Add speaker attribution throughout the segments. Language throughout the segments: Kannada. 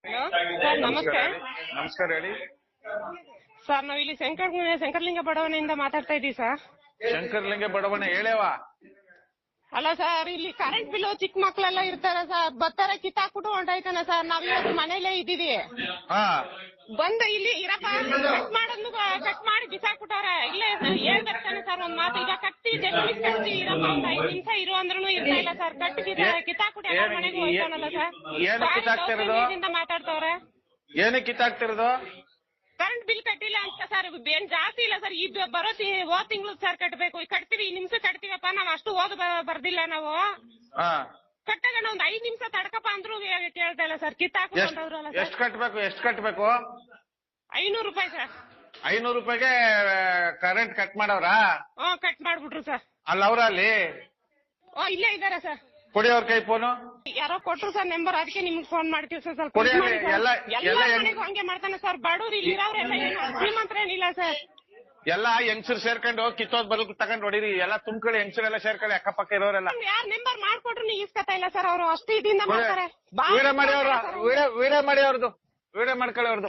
Speaker 1: ಹಲೋ ಸರ್, ನಮಸ್ತೆ.
Speaker 2: ನಮಸ್ಕಾರ ಹೇಳಿ
Speaker 1: ಸರ್, ನಾವ್ ಇಲ್ಲಿ ಶಂಕರಲಿಂಗ ಬಡಾವಣೆಯಿಂದ ಮಾತಾಡ್ತಾ ಇದೀವಿ ಸರ್.
Speaker 2: ಶಂಕರಲಿಂಗ ಬಡಾವಣೆ ಹೇಳೇವ.
Speaker 1: ಅಲ್ಲ ಸರ್, ಇಲ್ಲಿ ಕರೆಂಟ್ ಬಿಲ್ ಚಿಕ್ಕ ಮಕ್ಳೆಲ್ಲ ಇರ್ತಾರ ಸರ್, ಬರ್ತಾರೆ ಕಿತ್ತಾಕ್ಬಿಟ್ಟು ಹೊಂಟೈತಾನ ಸರ್. ನಾವ್ ಇವತ್ತು ಮನೇಲೇ ಇದ್ದೀವಿ. ಬಂದು ಇಲ್ಲಿ ಇರಪ್ಪ ಕಟ್ ಮಾಡಿ ಬಿಸಾಕ್ಬಿಟ್ಟಾರ. ಇಲ್ಲೇ ಹೇಳ್ಬೇಕಾನೆ ಸರ್ ಒಂದ್ ಮಾತು. ಈಗ ಕಟ್ಟಿ ಜಲ್ದಿ ಕಟ್ಟಿ ಇರಪ್ಪ ಅಂತ 5 ನಿಮಿಷ ಇರು ಅಂದ್ರೂ ಇರ್ತಾ ಇಲ್ಲ ಸರ್. ಕಿತ್ತಾಕ್ಬಿಟ್ಟು ಎಲ್ಲ ಮನೆಗೂ ಹೋಯ್ತಾನಲ್ಲ ಸರ್. ಮಾತಾಡ್ತವ್ರೆ.
Speaker 2: ಏನಕ್ಕೆ ಕಿತ್ತಾಕ್ತಿರೋದು?
Speaker 1: ಕರೆಂಟ್ ಬಿಲ್ ಕಟ್ಟಿಲ್ಲ ಅಂತ ಸರ್. ಏನ್ ಜಾಸ್ತಿ ಇಲ್ಲ ಸರ್. ಈ ಬರೋ ಹೋದ್ ತಿಂಗಳು ಸರ್ ಕಟ್ಬೇಕು. ಕಟ್ತೀವಿ, ಈ ನಿಮಿಷ ಕಟ್ತೀವಪ್ಪ. ನಾವ್ ಅಷ್ಟು ಬರ್ದಿಲ್ಲ ನಾವು. ಕಟ್ಟಾಗ ಒಂದ್ 5 ನಿಮಿಷ ತಡ್ಕಪ್ಪ ಅಂದ್ರು ಕೇಳ್ತಾ ಇಲ್ಲ ಸರ್. ಕಿತ್ತಾಕೊಂಡ್ರಲ್ಲ.
Speaker 2: ಎಷ್ಟು ಕಟ್ಬೇಕು?
Speaker 1: 500 ರೂಪಾಯಿ ಸರ್.
Speaker 2: 500 ರೂಪಾಯಿಗೆ ಕರೆಂಟ್ ಕಟ್ ಮಾಡವ್ರ?
Speaker 1: ಕಟ್ ಮಾಡ್ಬಿಟ್ರು ಸರ್.
Speaker 2: ಅಲ್ಲ ಅವ್ರ ಅಲ್ಲಿ
Speaker 1: ಇಲ್ಲೇ ಇದಾರೆ ಸರ್.
Speaker 2: ಕೊಡಿ ಅವ್ರ ಕೈ ಫೋನು.
Speaker 1: ಯಾರೋ ಕೊಟ್ರು ಸರ್ ನಂಬರ್, ಅದಕ್ಕೆ ನಿಮ್ಗೆ ಫೋನ್ ಮಾಡ್ತೀವಿ ಸರ್. ಸ್ವಲ್ಪ ಹಂಗೆ ಮಾಡ್ತಾನೆ ಸರ್. ಬಡವ್ರು ಇಲ್ಲಿ ಇರೋರೆಲ್ಲ ಶ್ರೀಮಂತರ ಏನಿಲ್ಲ ಸರ್.
Speaker 2: ಎಲ್ಲಾ ಹೆಂಗಸರು ಸೇರ್ಕೊಂಡು ಕಿತ್ತೋದ್ ಬಲ್ಕ್ ತಗೊಂಡ್ ಹೊಡಿರಿ. ಎಲ್ಲಾ ತುಂಬ್ಕೊಳ್ಳಿ, ಹೆಂಗಸರೆಲ್ಲ ಸೇರ್ಕೊಳ್ಳಿ, ಅಕ್ಕಪಕ್ಕ ಇರೋರೆಲ್ಲ.
Speaker 1: ಯಾರ್ ನಂಬರ್ ಮಾಡ್ಕೊಟ್ರು ನೀವು ಇಸ್ಕೊತಾ ಇಲ್ಲ ಸರ್. ಅವರು ಅಷ್ಟು ಇದರಿಂದ ಮಾಡ್ತಾರೆ.
Speaker 2: ವಿಡಿಯೋ ಮಾಡಿ ಅವ್ರದ್ದು ವಿಡಿಯೋ ಮಾಡ್ಕೊಳ್ಳಿ. ಅವ್ರದ್ದು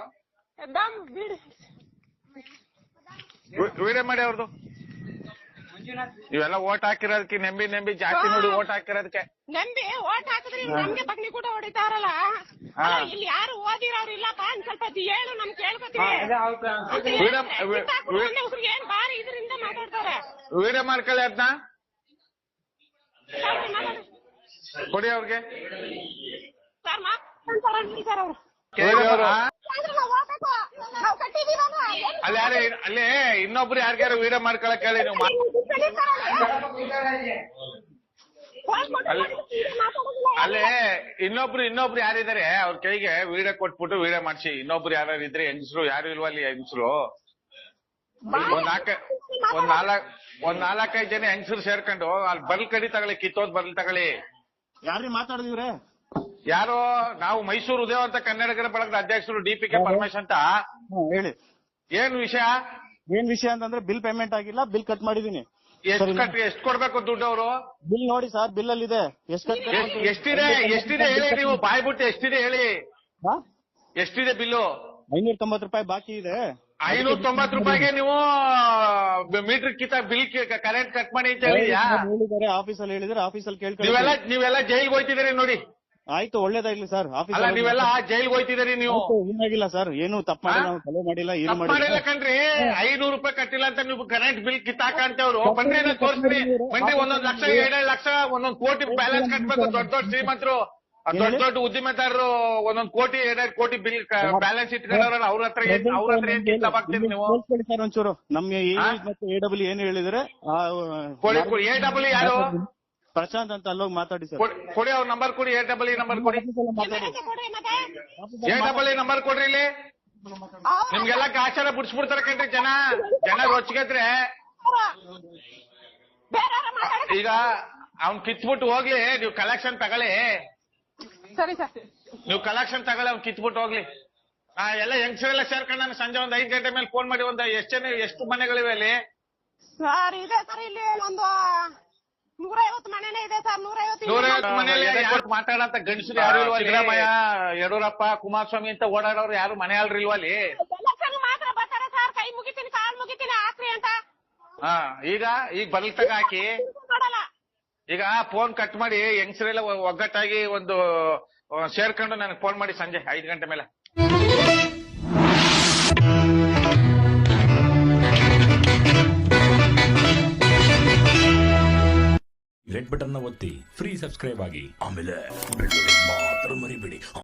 Speaker 2: ವಿಡಿಯೋ ಮಾಡಿ ಅವ್ರದ್ದು. ಇವೆಲ್ಲ ಓಟ್ ಹಾಕಿರೋದಕ್ಕೆ ನೆಂಬಿ ಜಾಸ್ತಿ ನೋಡಿ ಓಟ್ ಹಾಕಿರೋದಕ್ಕೆ.
Speaker 1: ನಂಬಿ ಓಟ್ ಹಾಕಿದ್ರೆ ನಮ್ಗೆ ಬಗ್ನಿ ಕೂಡ ಹೊಡಿತಾರಲ್ಲ. ಇಲ್ಲಿ ಯಾರು ಓದಿರೋರು ಇಲ್ಲಪ್ಪ. ಸ್ವಲ್ಪ ಹೇಳು, ನಮ್ ಕೇಳ್ಕೊತೀವಿ. ಏನ್ ಬಾರಿ ಇದರಿಂದ ಮಾತಾಡ್ತಾರೆ.
Speaker 2: ವಿಡಿಯೋ ಮಾಡ್ಕೊಳ್ಳಿ ಅದನ್ನ. ಕೊಡಿ ಅವ್ರಿಗೆ
Speaker 1: ಸರ್. ಅವರು
Speaker 2: ಅಲ್ಲೇ ಇನ್ನೊಬ್ರು ಯಾರಿಗಾರು ವಿಡಿಯೋ ಮಾಡ್ಕೊಳಕ್ ಹೇಳಿ ನೀವು. ಅಲ್ಲೇ ಇನ್ನೊಬ್ರು ಯಾರಿದ್ದಾರೆ ಅವ್ರ ಕೈಗೆ ವಿಡಿಯೋ ಕೊಟ್ಬಿಟ್ಟು ವಿಡಿಯೋ ಮಾಡ್ಸಿ. ಇನ್ನೊಬ್ರು ಯಾರು ಇದ್ರೆ ಹೆಂಗಸರು ಯಾರು ಇಲ್ವಾ ಅಲ್ಲಿ ಹೆಂಗಸರು? ಒಂದ್ 4-5 ಜನ ಹೆಂಗಸರು ಸೇರ್ಕೊಂಡು ಅಲ್ಲಿ ಬರ್ಲ್ ಕಡಿ ತಗೊಳ್ಳಿ, ಕಿತ್ತೋದ್ ಬರ್ಲ್ ತಗೊಳ್ಳಿ.
Speaker 3: ಯಾರ್ರಿ ಮಾತಾಡಿದಿವ್ರೆ?
Speaker 2: ಯಾರು? ನಾವು ಮೈಸೂರು ಉದಯ ಅಂತ ಕನ್ನಡಿಗರ ಬಳಗದ ಅಧ್ಯಕ್ಷರು DPK ಪರಮೇಶ್ ಅಂತ. ಹೇಳಿ, ಏನ್ ವಿಷಯ
Speaker 3: ಅಂತಂದ್ರೆ ಬಿಲ್ ಪೇಮೆಂಟ್ ಆಗಿಲ್ಲ, ಬಿಲ್ ಕಟ್ ಮಾಡಿದೀನಿ.
Speaker 2: ಎಷ್ಟು ಕೊಡ್ಬೇಕು ದುಡ್ಡು ಅವರು?
Speaker 3: ಬಿಲ್ ನೋಡಿ ಸರ್, ಬಿಲ್ ಅಲ್ಲಿ ಇದೆ.
Speaker 2: ಎಷ್ಟಿದೆ ಹೇಳಿ ನೀವು. ಬಾಯ್ಬಿಟ್ಟು ಎಷ್ಟಿದೆ ಹೇಳಿ. ಎಷ್ಟಿದೆ ಬಿಲ್ಲು?
Speaker 3: 590 ರೂಪಾಯಿ ಬಾಕಿ ಇದೆ.
Speaker 2: 590 ರೂಪಾಯಿಗೆ ನೀವು ಮೀಟರ್ ಕಿತ್ತ ಬಿಲ್ ಕರೆಂಟ್ ಕಟ್ ಮಾಡಿ ಅಂತ ಹೇಳಿದ್ರೆ
Speaker 3: ಆಫೀಸಲ್ಲಿ ಹೇಳಿದ್ರೆ ಆಫೀಸಲ್ಲಿ ಕೇಳ್ಕೊಂಡು
Speaker 2: ನೀವೆಲ್ಲ ಜೈಲ್ಗೆ ಹೋಯ್ತಿದ್ದೀರಿ ನೋಡಿ.
Speaker 3: ಆಯ್ತು, ಒಳ್ಳೇದಾಗ್ಲಿ ಸರ್.
Speaker 2: ಆಫೀಸ್ ನೀವೆಲ್ಲ ಜೈಲ್ಗೆ ಹೋಯ್ತಿದ್ದೀರಿ ನೀವು.
Speaker 3: ಏನಾಗಿಲ್ಲ ಸರ್, ಏನು ತಪ್ಪು ಮಾಡಿಲ್ಲ, ನಾವು ತಲೆ ಮಾಡಿಲ್ಲ, ಏನು
Speaker 2: ಮಾಡಿಲ್ಲ ಕಣ್ರಿ. 500 ರೂಪಾಯಿ ಕಟ್ಟಿಲ್ಲ ಅಂತ ನೀವು ಕರೆಂಟ್ ಬಿಲ್ ಕಿತ್ತಾಕ ಅಂತವ್ರು ಬನ್ರಿ, ತೋರಿಸ್ರಿ. ಬನ್ರಿ, 1 ಲಕ್ಷ 2 ಲಕ್ಷ 1 ಕೋಟಿ ಬ್ಯಾಲೆನ್ಸ್ ಕಟ್ಬೇಕು. ದೊಡ್ಡ ಶ್ರೀಮಂತರು, ದೊಡ್ಡ ಉದ್ದಿಮೆದಾರರು 1 ಕೋಟಿ 2 ಕೋಟಿ ಬಿಲ್ ಬ್ಯಾಲೆನ್ಸ್ ಇಟ್ಕೊಂಡವ್ರಲ್ಲ, ಅವ್ರ ಹತ್ರ ಏನ್ ಕಿತ್ತಾಗ್ತೀರಿ ನೀವು?
Speaker 3: ಸರ್ ಒಂಚೂರು ನಮ್ಗೆ ಮತ್ತೆ AW ಏನು ಹೇಳಿದ್ರೆ
Speaker 2: AW ಯಾರು?
Speaker 3: ಪ್ರಶಾಂತ್ ಅಂತ ಅಲ್ಲೋಗಿ ಮಾತಾಡಿ ಸರ್.
Speaker 2: ಕೊಡಿ ಅವ್ರ ನಂಬರ್ ಕೊಡಿ. AW ನಂಬರ್ ಕೊಡಿ. AW ನಂಬರ್ ಕೊಡ್ರಿ. ಇಲ್ಲಿ ನಿಮ್ಗೆಲ್ಲ ಆಚಾರ ಬಿಡಿಸ್ಬಿಡ್ತಾರ ಕಣ್ರಿ ಜನ ರೊಚ್ಚಿಗೆದ್ರೆ. ಈಗ ಅವ್ನ್ ಕಿತ್ಬಿಟ್ಟು ಹೋಗ್ಲಿ, ನೀವು ಕಲೆಕ್ಷನ್ ತಗೊಳ್ಳಿ.
Speaker 1: ಸರಿ ಸರ್,
Speaker 2: ನೀವು ಕಲೆಕ್ಷನ್ ತಗೊಳ್ಳಿ, ಅವ್ನ್ ಕಿತ್ಬಿಟ್ಟು ಹೋಗ್ಲಿ. ಎಲ್ಲ ಹೆಂಗಸರೆಲ್ಲ ಸೇರ್ಕೊಂಡು ನಾನು ಸಂಜೆ 5 ಗಂಟೆ ಮೇಲೆ ಫೋನ್ ಮಾಡಿ ಎಷ್ಟು ಮನೆಗಳಿವೆ ಅಲ್ಲಿ?
Speaker 1: ಸರ್ ಇದೆ ಸರ್, ಇಲ್ಲಿ ಒಂದು 150 ಮನೆನೇ ಇದೆ ಸರ್. 150
Speaker 2: ಮನೆಯಲ್ಲಿ ಮಾತಾಡಂತ ಗಂಡಸರು ಯಾರು ಇಲ್ವಾ? ಸಿದ್ದರಾಮಯ್ಯ, ಯಡಿಯೂರಪ್ಪ, ಕುಮಾರಸ್ವಾಮಿ ಅಂತ ಓಡಾಡೋರು ಯಾರು ಮನೆ ಅಲ್ರಿಲ್ವಾ ಅಲ್ಲಿ?
Speaker 1: ಮಾತ್ರ ಬರ್ತಾರೆ ಸರ್. ಕೈ ಮುಗಿತೀನಿ, ಕಾಲ್ ಮುಗಿತೀನಿ, ಹಾಕ್ರಿ ಅಂತ.
Speaker 2: ಈಗ ಬರ್ಲ್ ತಗ ಹಾಕಿ. ಈಗ ಫೋನ್ ಕಟ್ ಮಾಡಿ ಹೆಂಗಸರೆಲ್ಲ ಒಗ್ಗಟ್ಟಾಗಿ ಒಂದು ಸೇರ್ಕೊಂಡು ನನಗೆ ಫೋನ್ ಮಾಡಿ ಸಂಜೆ 5 ಗಂಟೆ ಮೇಲೆ.
Speaker 4: ರೆಡ್ ಬಟನ್ ಒತ್ತಿ ಫ್ರೀ ಸಬ್ಸ್ಕ್ರೈಬ್ ಆಗಿ, ಆಮೇಲೆ ಮಾತ್ರ ಮರಿಬೇಡಿ.